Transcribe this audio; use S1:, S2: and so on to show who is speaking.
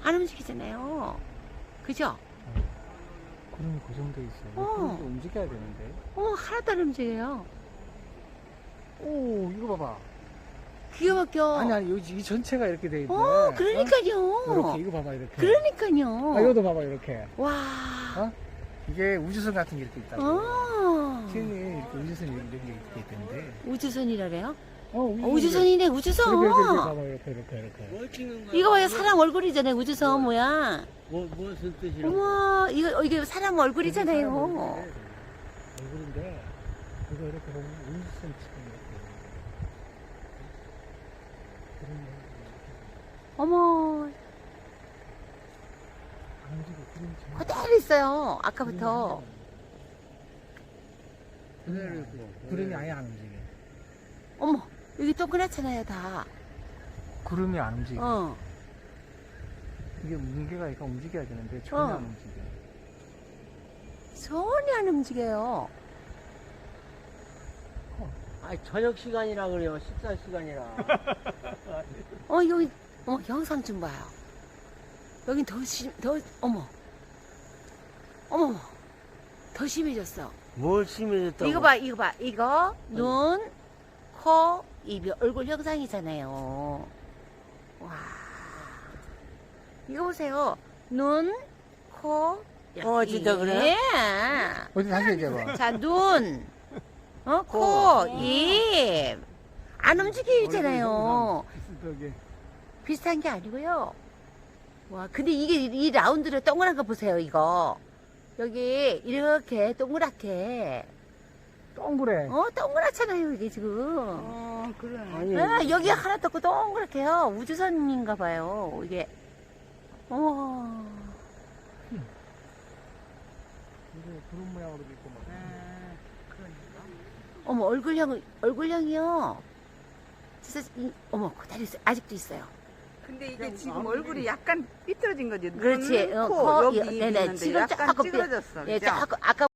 S1: 안 움직이잖아요. 그죠?
S2: 구름이 고정돼 있어요.
S1: 어.
S2: 구름이 움직여야 되는데.
S1: 하나도 안 움직여요.
S2: 오, 이거 봐봐.
S1: 기가 막혀.
S2: 아니, 이 전체가 이렇게 돼 있네.
S1: 그러니까요.
S2: 이렇게, 이거 봐봐, 이렇게.
S1: 그러니까요.
S2: 아, 이것도 봐봐, 이렇게.
S1: 와.
S2: 어? 이게 우주선 같은 게 이렇게 있다고. 신이 이렇게 우주선이 이렇게 있던데.
S1: 우주선이라래요?
S2: 우주선.
S1: 우주선이네, 우주선.
S2: 이렇게 봐봐, 이렇게.
S3: 뭘 찍는 거야?
S1: 이거 봐요, 사람 얼굴이잖아요, 우주선 모양.
S3: 무슨 뜻이라고?
S1: 어머, 이게 사람 얼굴이잖아요.
S2: 얼굴인데, 이거 이렇게 보면 우주선 치고 이렇게.
S1: 어머,
S2: 안 움직여, 구름이 전혀.
S1: 그대로 있어요, 아까부터.
S3: 그대로 있고.
S2: 구름이 아예 안 움직여.
S1: 어머, 여기 동그랗잖아요, 다.
S2: 구름이 안 움직여. 이게 뭉게가 약간 움직여야 되는데 전혀 안 움직여.
S1: 전혀 안 움직여요.
S3: 아니 저녁 시간이라 그래요. 식사 시간이라.
S1: 여기, 영상 좀 봐요. 여긴 어머, 더 심해졌어.
S3: 뭘 심해졌다고?
S1: 이거 봐, 이거, 눈, 코, 입이 얼굴 형상이잖아요. 와. 이거 보세요. 눈, 코,
S3: 진짜
S1: 입.
S3: 그래요?
S1: 예.
S2: 어디 다시 얘기해봐.
S1: 자, 눈, 코, 입. 안 움직이잖아요. 비슷한 게 아니고요. 와, 근데 이 라운드를 동그란 거 보세요, 이거. 여기, 이렇게 동그랗게.
S2: 동그래.
S1: 동그랗잖아요, 이게 지금.
S4: 그래.
S3: 아니,
S1: 여기 하나 떴고 동그랗게요. 우주선인가 봐요, 이게. 어머.
S2: 이게 구름 모양으로 돼 있고 막.
S1: 어머, 얼굴형이요. 진짜, 그대로 있어요. 아직도 있어요.
S4: 근데 이게 지금 얼굴이 약간 삐뚤어진 거지.
S1: 그렇지.
S4: 눈, 코, 여기 입
S1: 네네.
S4: 있는데
S1: 지금
S4: 약간
S1: 조금
S4: 찌그러졌어.
S1: 예,
S4: 그죠?
S1: 아까